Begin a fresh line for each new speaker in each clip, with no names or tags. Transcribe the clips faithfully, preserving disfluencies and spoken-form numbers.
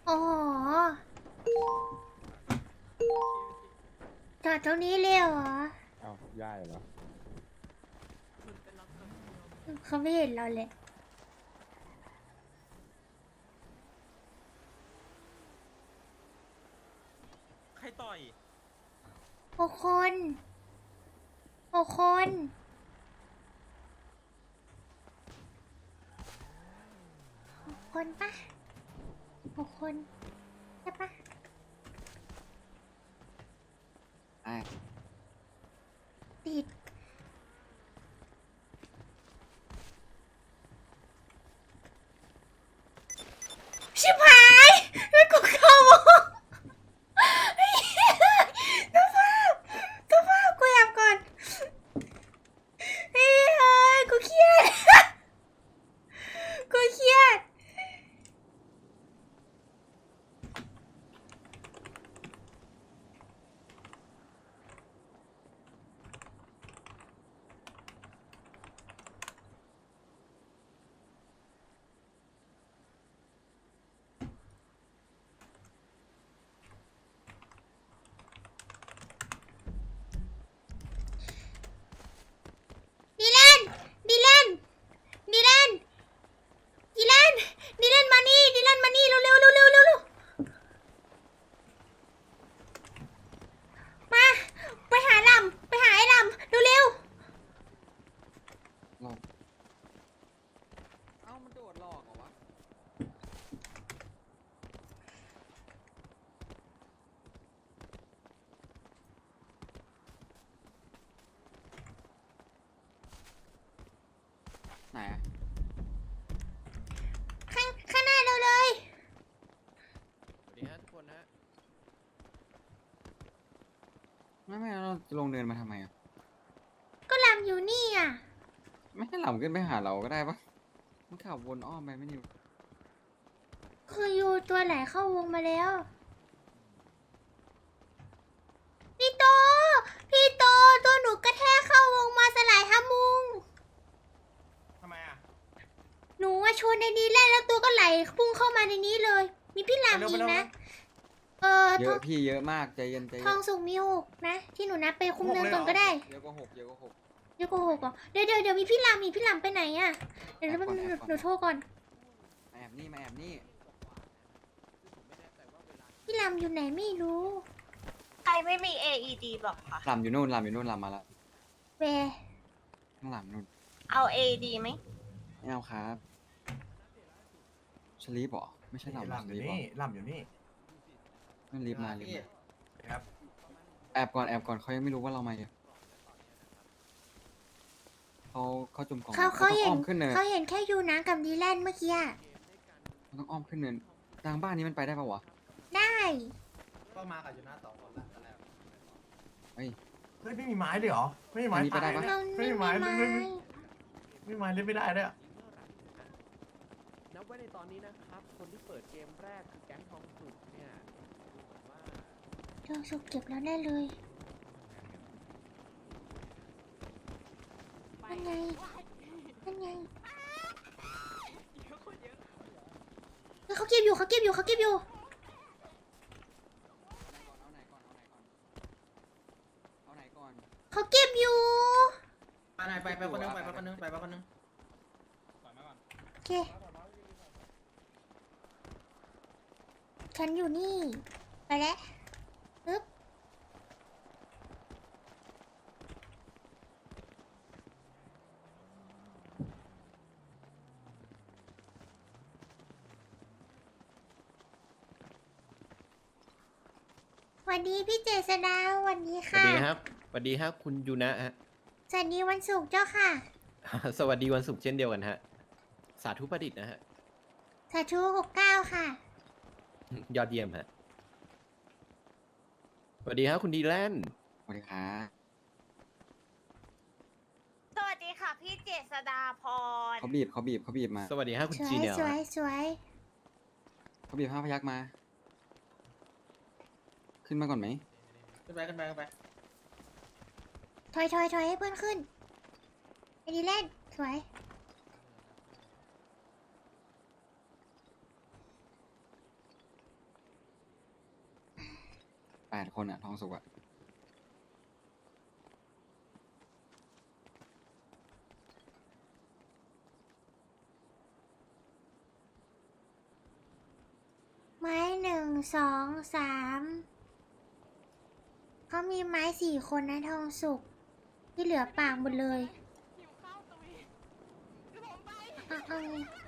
โอ้โหจอดตรงนี้เลยเหรอ
เอ้าย่ายเหรอ
เขาไม่เห็นเราเลย
ใครต่อย
หกคนหกคนหกคนปะหกคนใช่ปะ
ใช่
ติดชิบหายไม่กูเข้าวงตัวภาพตัวภาพกูแอบก่อนเฮ้ยเฮ้ยกูเครียดกูเครียดดีแลนดีแลนดีแลนดีแลนดีแลนมานี่ดีแลนมานี่เร็วเร็วเร็วเร็วเร็วเร็วมาไปหาลำไปหาไอ้ลำเร็วเร็ว
หลอกเอ้ามันโดดหลอกเหรอวะไหนอะ
ข้างข้างหน้าเราเลย
สวัสดีฮะทุกคนนะ
ไม่ไม่เราจะลงเดินมาทำไมอะ
ก็ลำอยู่นี่อ่ะ
ไม่ให้หล่ำขึ้นไปหาเราก็ได้ปะมันขับวนอ้อมไปไม่นิว
คืออยู่ตัวไหนเข้าวงมาแล้วพี่โตพี่โตตัวหนูกระแทกเข้าวงมาสลายฮามุง
ทำไมอ่ะ
หนูว่าชนในนี้แหละแล้วตัวก็ไหลพุ่งเข้ามาในนี้เลย มีพี่ลำอีกนะเออ
เย
ทอ
อะ
ง
พี่เยอะมากใจเย็นใจ
ท
เย็
อน งสุกมีหกนะ ที่หนูนับไปคุมเนินก่อนก็ได้
เยอะกว่าหกเยอะกว่าหก
เดี๋ยวโกหกเหรอเดี๋ยวเดี๋ยวเดี๋ยวมีพี่ลำมีพี่ลำไปไหนอ่ะเดี๋ยว
แอบก่อน
หนู
แอบก่อน
หนูโทรก่อน
มาแอบนี่มาแอบนี่
พี่ลำอยู่ไหนไม่รู้
ใครไม่มี เอ อี ดี บอกค่ะ
หล่ำอยู่นู่นหล่ำอยู่นู่นหล่ำมาแล้ว
แว
ข้างหลังนู่น
เอา เอ อี ดี ไหม
ไม่เอาครับชลีปเหรอไม่ใช่หล่ำ
หล่ำอ
ช
ยู่
ลีปเหร
นี่
อ
หล่ำอยู่นี่
นั่นรีบมารีบมา
ครับ
แอบก่อนแอบก่อนเขายังไม่รู้ว่าเรามาอยู่เขาเขาจุ่มกล่อง
เขาเขา
ต้อง
เห็
อ้
น
อมขึ้นเนิน
เขาเห็นแค่ยูนะกับดีแลนด์เมื่อกี้อะ
มันต้องอ้อมขึ้นเนินทางบ้านนี้มันไปได้ปะวะ
ได้
ก็มากับยูน่าสองคนละตอนแรก
เฮ้ย
เฮ้ยไม่มีไม้ด้วยเหรอ ไม่มีไม้
อันนี้ไปได้ปะ
เรา
ไม่
ไม่
มี
มี
ไม้
ไม้
ไม่มีไม่มีไม้เล่นไม่ได้ด้วยอะ
นับไว้ในตอนนี้นะครับ คนที่เปิดเกมแรกคือแก๊งทองสุกเนี่ยดูเหมือนว่า
ทองสุกเก็บแล้วแน่เลยนั่นไงนั่นไงเฮ้ยเขาเก็บอยู่เขาเก็บอยู่เขาเก็บอยู่
เอาไหนก่อนเอาไหนก่อนเอาไหนก่อน
เขาเก็บอยู่
ไปไหนไปไปคนนึงไปไปคนนึงไปไปคนนึง
โอเคฉันอยู่นี่ไปแล้วปึ๊บสวัสดีพี่เจษดาสวัสดี
สวัส
ค่ะ
ดีครับสวัสดีครับคุณยูนะฮะ
สวัสดีวันศุกร์เจ้าค่ะ
สวัสดีวันศุกร์เช่นเดียวกันฮะ สาธุประดิษฐ์นะฮะ
สาธุหกเก้าค่ะ
ยอดเยี่ยมฮะ สวัสดีครับคุณดีแลนด์
สวัสดีครับ
สวัสดีค่ะ พี่เจษดาพร
เขาบีบเขาบีบเขาบีบมา
สวัสดีครับคุณ
สว
จี
ย
เนียล
สวยสวย
เขาบีบห้าพยักมา ขึ้นมาก่อนไหม
ขึ้นไปขึ้นไปขึ้นไป
ถอยถอยถอยให้เพื่อนขึ้นไอ้ดีเล่นสวย
แปดคนอะทองสุกอะ
ไม้หนึ่งสองสามเขามีไม้สี่คนนะทองสุกที่เหลือปากหมดเลย
หิวข้าวตุยคือผมไป
เอาเอา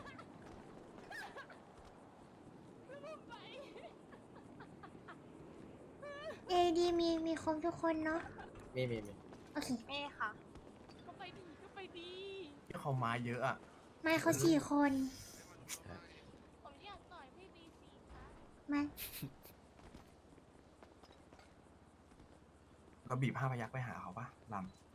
เอดีมีมีครบทุกคนเนาะ
มีมีมี
โอเค
นี่ค่ะ
ก็ไปดีก็ไปดี
ที่เขาไม้เยอะอ่ะ
ไม้เขาสี่คน
ผมอยากต่อยพี่บีซีค่ะ
ไม้
เราบีบห้าพยักไปหาเขาปะล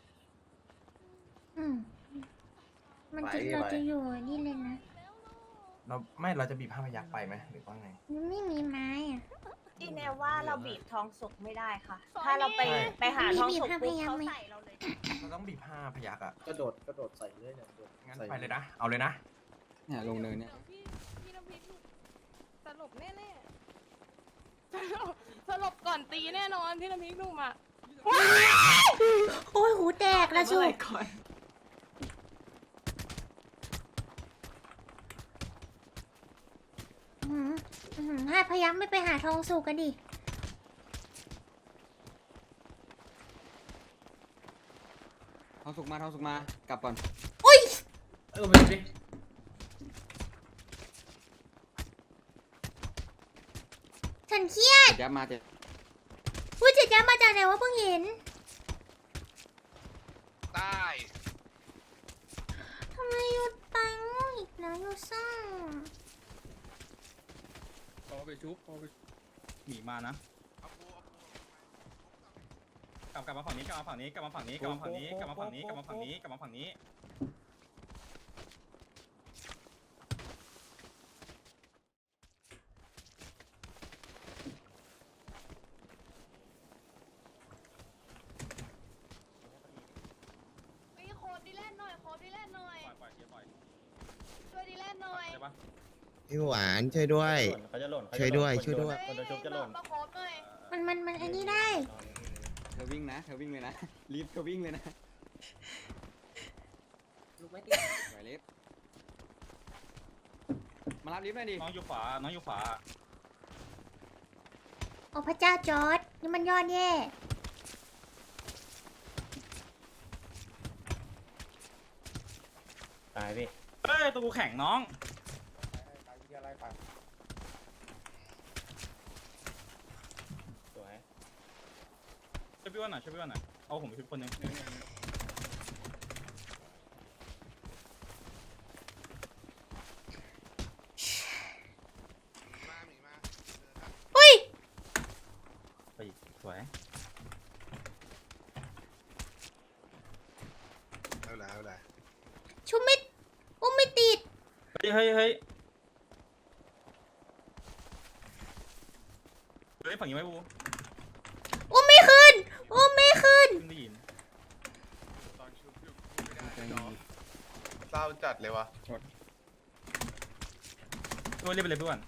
อืมมันจะ
ไป
เรา
ไป
จะอยู่นี่เลยนะ
ำเราไม่เราจะบีบห้าพยักไปไหมหรือว่าไง
มันไม่มีไม้อะ
ที่แน่ว่าเราบีบทองสุกไม่ได้ค่ะ ถ้าเราไป
ใช่
ไปหาทองสุก
บีบ
ปุ๊บ
ห้าพยัคฆ์
เขา
ไหม
ใส่เราเลย
เราต้องบีบห้าพยักอ่ะ
กระโดดกระโดดใส่เลยเนี่ยกระโดด
งั้น
ใส่
ไปเลยนะ เอาเลยนะ
เนี่ยลงเนินเนี่ย
ดี๋วพี่พี่น้ำพริกหลุดสลบแน่ๆสลบสลบก่อนตีแน่นอนพี่น้ำพริกหนุ่มอ่ะ
โอ้ยหูแตกละสุกอื้อหืออื้อหือห้าพยักไม่ไปหาทองสุกกันดิ
ทองสุกมาทองสุกมากลับก่อน
อุ้ย
เออไปดิ
ฉันเครียด
เจ็ดยับมาเจ็ด
ผู้จัดการมาจากไหนวะเพิ่งเห็น
ได้
ทำไมหยุดตังอีกแล้วอยู่ซ่า
พอไปชุบพอไปหนีมานะ
เอาปูเอาปู
กลับกลับมาฝั่งนี้กลับมาฝั่งนี้กลับมาฝั่งนี้กลับมาฝั่งนี้กลับมาฝั่งนี้กลับมาฝั่งนี้กลับมาฝั่งนี้
ไอ้โคดดีแลนหน่อยโคดดีแลนหน่อย
ปล่อยปล่อยเชียร์ปล่อย
ช่วยดีแลนหน่อย
ได้ปะ
พี่หวานช่วยด้วย
เขาจะหล่น
ช่วยด้วยช่วยด้วย
คนจะชุบจะหล่น
ประโคดหน่อย
มันมันมันอันนี้ได้
เธอวิ่งนะเธอวิ่งเลยนะ รีบเธอวิ่งเลยนะลูกไม่ติดไหวลิฟต์มารับลิฟต์หน่อยดิ
น้องอยู่ขวาน้องอยู่ขวา
โอ้พระเจ้าจอร์ดนี่มันยอดแย่
ตายพี่เฮ้ยตัวกูแข็งน้องสวยช่วยพี่อ้วันหน่อยช่วยพี่อ้วันหน่อยเอาผมไปชุบคนหนึง
มาหมีมา
อุ้ย
ไปอีกสวย
เอาละเอาละ
ชุบไม่อุ้มไม่ติด
เฮ้ยเฮ้ยเฮ้ยเฮ้ยฝั่งนี้ไหมบู
อุ้มไม่ขึ้น อุ้มไม่ขึ้น
ขึ้นได้ยิน
ตอนชุบอยู่ไม่ได้เนาะเศร้าจัดเลยวะ
พี่อ้วันเรียกไปเลยพี่อ้วัน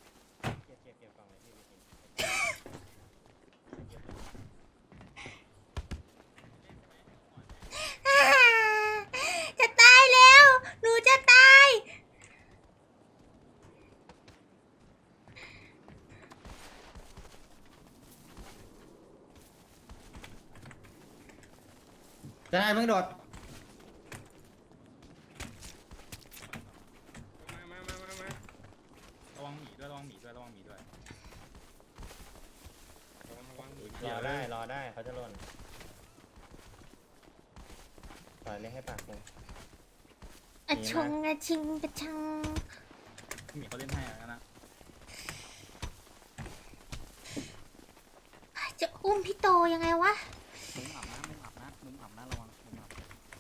จะตายแล้ว หนูจะตาย
ได้เพิ่งโดด
มามามามามา
ระวังหมีด้วยระวังหมีด้วยระวังหมีด้วย
ระวังระวัง
รอได้รอได้เขาจะหล่นปล่อยเลยให้ปากเลย
อะชงอะชิงกระชัง
หมีเขาเล่นให้อะนะ
จะอุ้มพี่โตยังไงวะ
มุมอับนะมุมอับนะมุมอับนะระวังมุมอับ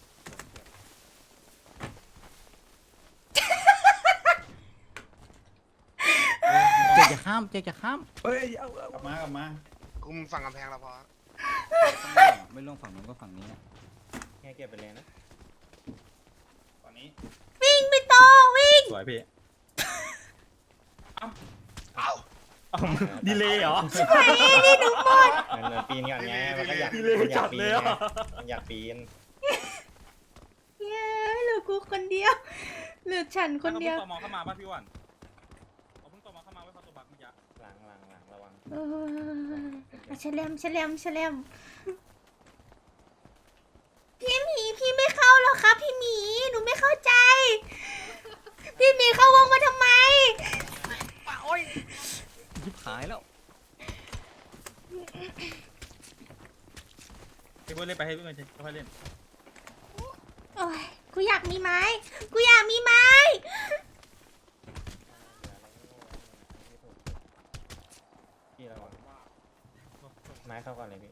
เจ๊จะข้ามเจ๊จะข้าม
เฮ้ยเอากลับมากลับมา
คุมฝั่งกำแพงเราพอ
ไม่ลงฝั่งนู้นก็ฝั่งนี้อะ
แค่เก็บไปเลยนะตอนนี้
วิ่งพี่โตวิ่ง
สวยพี่
เอา
เอาดีเลยเหรอ
ไปนี่หนูหมด
มันมันปีนก่อนไงมันก็อยาก
ดีเลย
มันอยา
จั
ก
ด
ปี
เล
น
ย
ไง
อ่ะ
มันอยากปีน
เย้เหลือกูคนเดียวเหลือฉันคนเดียว
อาพิ่งตมเข้ามาป่ะพี่วันเอาเพิ่งตมเข้ามาไว้เขาตัวบักเมื่อกี้
หลังหลังหลังระวัง
เออเฉลมเฉลมเฉลมพี่หมีพี่ไม่เข้าหรอครับ พี่หมีหนูไม่เข้าใจ พี่หมีเข้าวงมาทำไม
ยิบหายแล้ว
พี่เบิร์ดเล่นไปให้พี่เบิร์ดค่อยๆเล่น
โอ้ยกูอยากมีไม้ กูอยากมีไม้
พี่ระวังไม้เข้าก่อนเลยพี่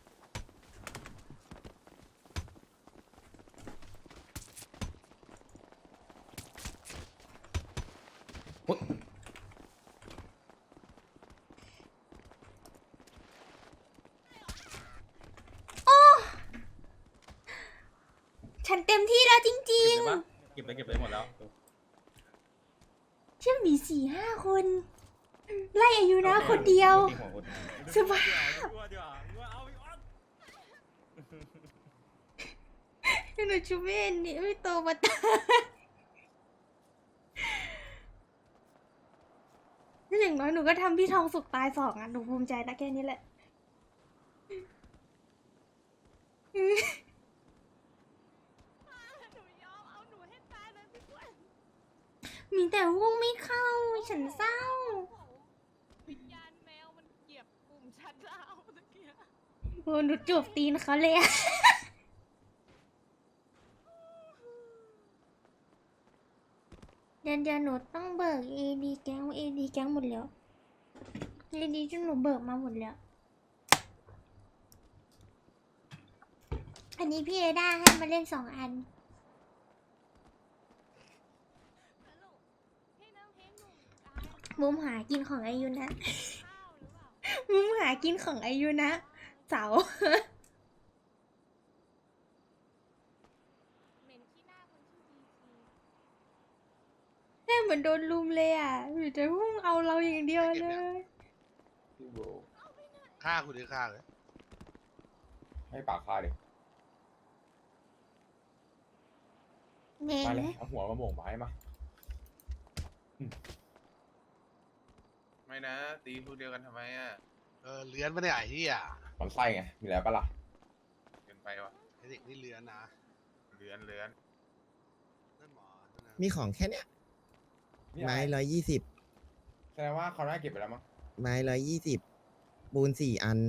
โอ้ ฉันเต็มที่แล้วจริ
เก็
ง
บเลยปะเก็บเลยเก็บเลยหมดแล้ว
ๆ เชื่อมีสี่ห้าคน ไล่อายุนะคนเดียว
ตีหัวคุณ
สบาย
เดี๋ยวเดี๋ยวเดี๋ยวเอาอีกอัน
หนูชูเวนนี่ไม่โตมาตายนี่อย่างน้อยหนูก็ทำพี่ทองสุกตายสองอ่ะหนูภูมิใจนะแค่นี้แหละ
หนูยอมเอาหนูให้ตายเลยพี่กวน
มีแต่วงไม่เข้า ฉันเศร้า
วิญญาณแมวมันเหยียบกลุ่มชัดดาวน์ตะเกียบ
โอ้หนูจูบตีนเขาเลยอะ เดี๋ยวเดี๋ยวหนูต้องเบิกเอดีแก๊งเอดีแก๊งหมดแล้วเอดีจนหนูเบิกมาหมดแล้ว อันนี้พี่เอด้าให้มาเล่นสองอัน
สรุปพี่น้ำเพชรหนุ่มตาย
มุมหากินของอายุนะ
ข้าวหรือเปล่า
มุมหากินของอายุนะเสา
เหม็นขี้หน้าคนชื่อดีซี
แม่เหมือนโดนลุมเลยอ่ะหนูจะพุ่งเอาเราอย่างเดียวเลย
ฆ่าคุณดิฆ่าเลย
ให้ปากฆ่าดิ
เหม็น
มาเลยเอาหัวมาโหม่งไม้มา
ไม่นะ ตีพวกเดียวกันทำไมอ่ะ เออเลื้อนไม่ได้ไอ้ที่อ่ะ
มันไส้ไง มีแล้วปะล่ะ
เกินไปวะไอ้เด็กนี่เลื้อนนะเลื้อนเลื้อนนั่นหมอนั่นนะ
มีของแค่เนี้ยไม้ร้อยยี่สิบ
แสดงว่าเขาน่าเก็บไปแล้วมั้ง
ไม้ร้อยยี่สิบปูนสี่อัน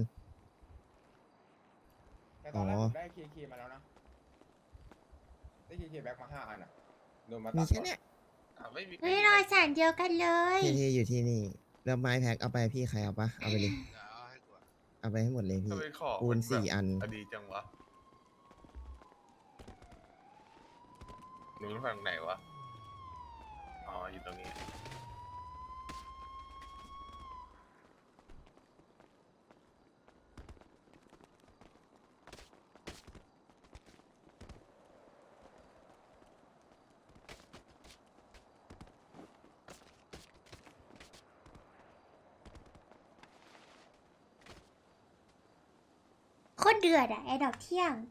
แต่ตอนแรก
อ๋อ
ผมได้เคเคมาแล้วนะ ได้เคเคแบ็คมาห้าอันอ่ะโดนมาตัด
มีแค่เนี้ย
อ่ะไม่มี
เฮ้ยรอยสารเดียวกันเลย
เทๆอยู่ที่นี่ แล้วไม้แพ็คเอาไปพี่ใครเอาปะเอาไปเลย
เดี๋ยวเอาให้กูอะ
เอาไปให้หมดเลยพี่
ทำไมของ
ปูน
มัแบบ
สี่อัน
อดีจังวะหนูอยู่ฝั่งไหนวะ อ๋อ อยู่ตรงนี้
โคตรเดือดอะไอ้ดอกเที่ยง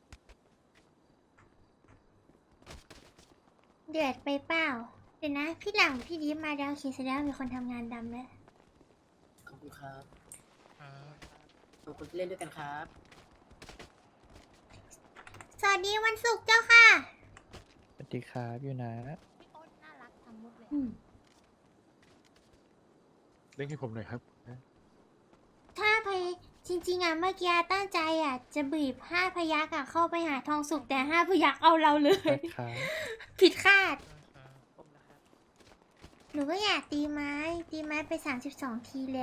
เดือดไปเปล่า เดี๋ยวนะ พี่หลังพี่ดิฟมาแล้วโอเคแสดงว่ามีคนทำงานดำแล้ว
ขอบคุณครับ ขอบคุณที่เล่นด้วยกันครับ
สวัสดีวันศุกร์เจ้าค่ะ
สวัสดีครับอยู่นะ
พี่โอ๊ตน่ารักทำมุกเลย
อืม
เล่นให้ผมหน่อยครับ
ถ้าพยจริงๆอ่ะเมื่อกี้ตั้งใจอ่ะจะบีบห้าพยักอ่ะเข้าไปหาทองสุกแต่ห้าพยักเอาเราเลย ผิดคาด
ผมนะครับ
หนูก็อยากตีไม้ ตีไม้ไปสามสิบสองทีแล้ว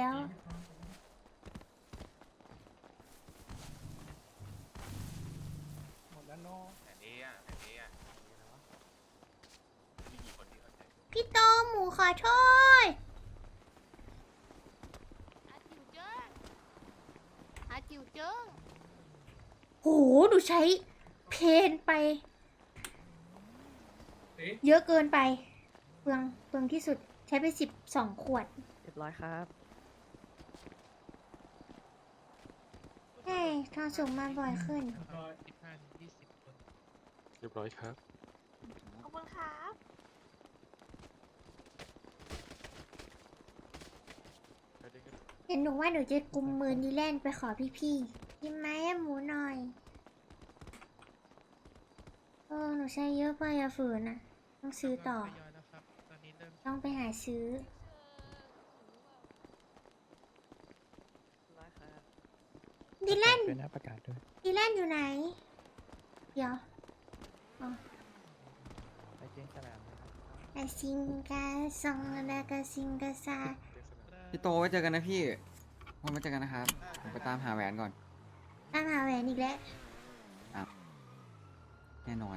หมดแล้วเนาะ
แต่นี้อ่ะแต่นี้อ่ะมีกี่คนที่เข้าใจ
พี่โตหมูขอโทษ
อาจิวเจิ้งอาจิวเจิ้ง
โห หนูใช้เพนไป เยอะเกินไป เปลืองเปลืองที่สุดใช้ไปสิบสองขวด
เรียบร้อยครับ
ทองสุกมาบ่อยขึ้น
สิบห้าถึงยี่สิบคนเรียบร้อยครับ
ขอบคุณครับ
เห็นหนูว่าหนูจะกุมมือดีแลนไปขอพี่ๆกินไหมอะหมูหน่อยเออหนูใช้เยอะไปอะฝืนอะต้องซื้อต่อ ต้องไปหาซื้อ ดีแลน
ด้วยนะประกาศด้วย
ดีแลนอยู่ไหน เดี๋ยวอ๋อ
ไปเจงสนามนะครับ
ไอซิงกาซองแล้วก็ซิงกาซา
พี่โตไว้เจอกันนะพี่วันไว้เจอกันนะครับผมไปตามหาแหวนก่อน
ตามหาแหวนอีกแล้ว
แน่นอน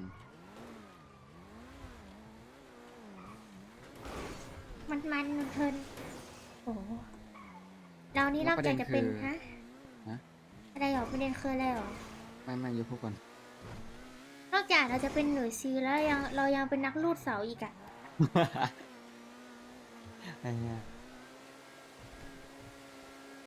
มันมันมันเพลินโอ้โหเรานี่นอกจากจะเป็น
แล้วประเด็นคือ
ฮะ
ฮะ
อะไรหรอประเด็นคืออะไรหรอ
ไม่ไม่ยกพวกก่อน
นอกจากเราจะเป็นหน่วยซีแล้วยังเรายังเป็นนักลูดเสาอีกอะ
ไอ้เนี่ย